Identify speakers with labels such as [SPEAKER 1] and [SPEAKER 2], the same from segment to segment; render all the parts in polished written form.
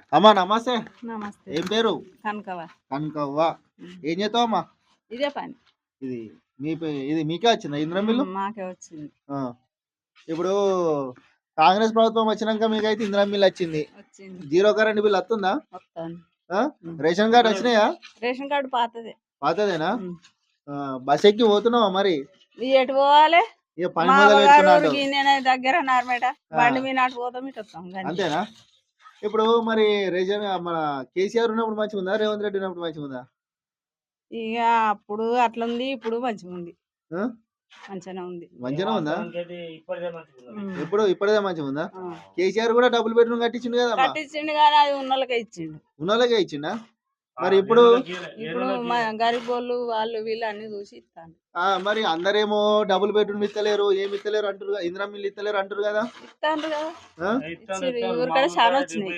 [SPEAKER 1] అమ్మా నమస్తే.
[SPEAKER 2] నమస్తే.
[SPEAKER 1] ఏం పేరు?
[SPEAKER 2] కనకవ.
[SPEAKER 1] కనకవ్వ. ఏం చేస్తావు అమ్మా?
[SPEAKER 2] ఇదే పని.
[SPEAKER 1] ఇది ఇది మీకే వచ్చిందా ఇంద్రం బిల్లు?
[SPEAKER 2] మాకే వచ్చింది.
[SPEAKER 1] ఇప్పుడు కాంగ్రెస్ ప్రభుత్వం వచ్చినాక మీకైతే ఇంద్రం బిల్లు వచ్చింది. జీరో కరెంట్ బిల్ వస్తుందా? రేషన్ కార్డు వచ్చినాయా?
[SPEAKER 2] రేషన్ కార్డు పాతదే.
[SPEAKER 1] పాతదేనా? బస్ ఎక్కి పోతున్నావా మరి?
[SPEAKER 2] ఎటు పోవాలి?
[SPEAKER 1] ఇక పని మొదలు పెట్టుకున్నాడు.
[SPEAKER 2] దగ్గర నార్మేట బండి మీద నాటు పోతాం ఇటు వస్తాం.
[SPEAKER 1] అంతేనా? ఇప్పుడు మరి రేషన్ మన కేసీఆర్ ఉన్నప్పుడు మంచిగా ఉందా, రేవంత్ రెడ్డి ఉన్నప్పుడు మంచిగా ఉందా?
[SPEAKER 2] ఇక అప్పుడు అట్లుంది, ఇప్పుడు మంచిగా ఉంది. మంచిగానే ఉంది.
[SPEAKER 1] మంచిగానే ఉందా? ఇప్పుడే మంచిగా ఉందా? కేసీఆర్ కూడా డబుల్ బెడ్రూమ్ కట్టించిండు కదా?
[SPEAKER 2] కట్టించిండు కానీ అది ఉన్నోళ్ళకే ఇచ్చిండు.
[SPEAKER 1] ఉన్నోళ్ళకే ఇచ్చిండా? మరి ఇప్పుడు
[SPEAKER 2] గరీబ్ వాళ్ళు వీళ్ళు అన్ని చూసి ఇస్తాను.
[SPEAKER 1] మరి అందరేమో డబుల్ బెడ్రూమ్ ఇస్తలేరు, ఏమి ఇస్తలేరు అంటారు, ఇందిరా మిల్లు ఇస్తలేరు అంటారు కదా?
[SPEAKER 2] ఇస్తాను కదా, ఊరికాడ చాలా వచ్చినాయి.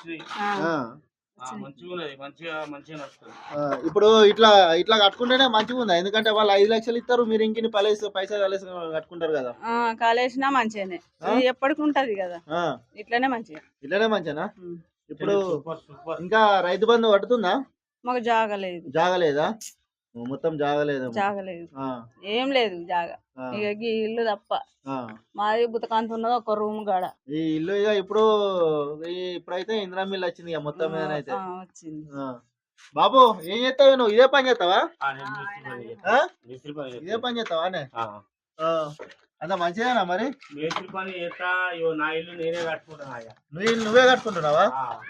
[SPEAKER 1] ఇప్పుడు ఇట్లా ఇట్లా కట్టుకుంటేనే మంచిగా ఉందా? ఎందుకంటే వాళ్ళు 5 లక్షలు ఇస్తారు, మీరు ఇంకిని పైసలు కట్టుకుంటారు కదా.
[SPEAKER 2] కాలేసినా మంచిగానే ఎప్పటికి ఉంటది కదా, ఇట్లనే మంచిగా.
[SPEAKER 1] ఇప్పుడు ఇంకా రైతు బంధు పడుతుందా?
[SPEAKER 2] మాకు
[SPEAKER 1] జాగలేదా? మొత్తం జాగలేదు.
[SPEAKER 2] ఏం లేదు జాగా. ఇక ఇల్లు తప్ప మాది బుతకాంత ఉన్నది ఒక రూమ్ కాడ.
[SPEAKER 1] ఈ ఇల్లు ఇక ఇప్పుడైతే ఇందిరా మిల్ వచ్చింది ఇక మొత్తం మీద అయితే
[SPEAKER 2] వచ్చింది.
[SPEAKER 1] బాబు ఏం చేస్తావు నువ్వు? ఇదే పని చేస్తావా? ఇదే పని చేస్తావా? అంత మంచిదేనా మరి?
[SPEAKER 3] మేస్త్రి పని చేస్తా, నా ఇల్లు నేనే కట్టుకుంటున్నా.
[SPEAKER 1] నువ్వే కట్టుకుంటున్నావా?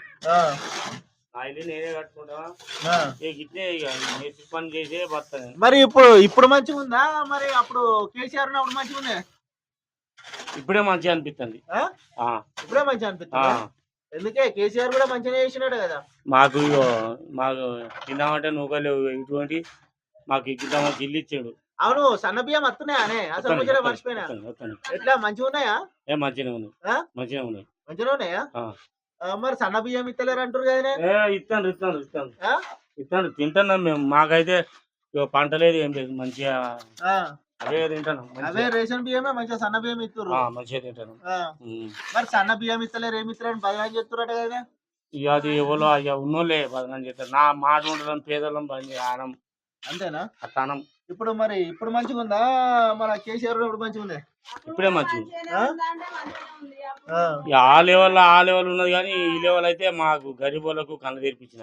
[SPEAKER 1] మరి ఇప్పుడు మంచిగా ఉందా? మరి అప్పుడు కేసీఆర్ ఉన్నప్పుడు మంచిగా ఉందా?
[SPEAKER 3] ఇప్పుడే మంచిగా అనిపిస్తుంది.
[SPEAKER 1] ఇప్పుడే మంచిగా అనిపిస్తుంది. ఎందుకే కేసీఆర్ కూడా మంచిగా చేసినాడు కదా.
[SPEAKER 3] మాకు తిందామంటే నూకలేవు, ఇటువంటి మాకు ఇద్దామని జిల్లు ఇచ్చాడు.
[SPEAKER 1] అవును, సన్న బియ్యం వస్తున్నాయా? అసలు మర్చిపోయినా. ఎట్లా మంచిగా ఉన్నాయా?
[SPEAKER 3] మంచిగా ఉన్నాయి.
[SPEAKER 1] మంచిగా ఉన్నాయా? మరి సన్న బియ్యం ఇస్తలేరు అంటారు కదా?
[SPEAKER 3] ఇస్తాను తింటున్నాం మేము. మాకైతే పంట లేదు, ఏం లేదు, మంచిగా అవే తింటున్నాం.
[SPEAKER 1] అవే రేషన్ బియ్యమే మంచిగా సన్న బియ్యం ఇస్తారు,
[SPEAKER 3] మంచిగా తింటున్నాం.
[SPEAKER 1] మరి సన్న బియ్యం ఇస్తలేరు, ఏమి ఇస్తారు అని బదనాలు చెప్తారట కదా.
[SPEAKER 3] ఇక అది ఎవరో ఉన్నోళ్ళే బదనాలు చేస్తారు. నా మాట ఉండడం పేదలం పని ఆనం.
[SPEAKER 1] అంతేనా?
[SPEAKER 3] అనం.
[SPEAKER 1] ఇప్పుడు మంచిగా ఉందా? మన కేసీఆర్ మంచిగా ఉంది.
[SPEAKER 3] ఇప్పుడే మంచిగా ఆ లెవెల్ ఉన్నది కానీ ఈ లెవెల్ అయితే మాకు గరీబ్ వాళ్ళకు కళ్ళు తెరిపించిన.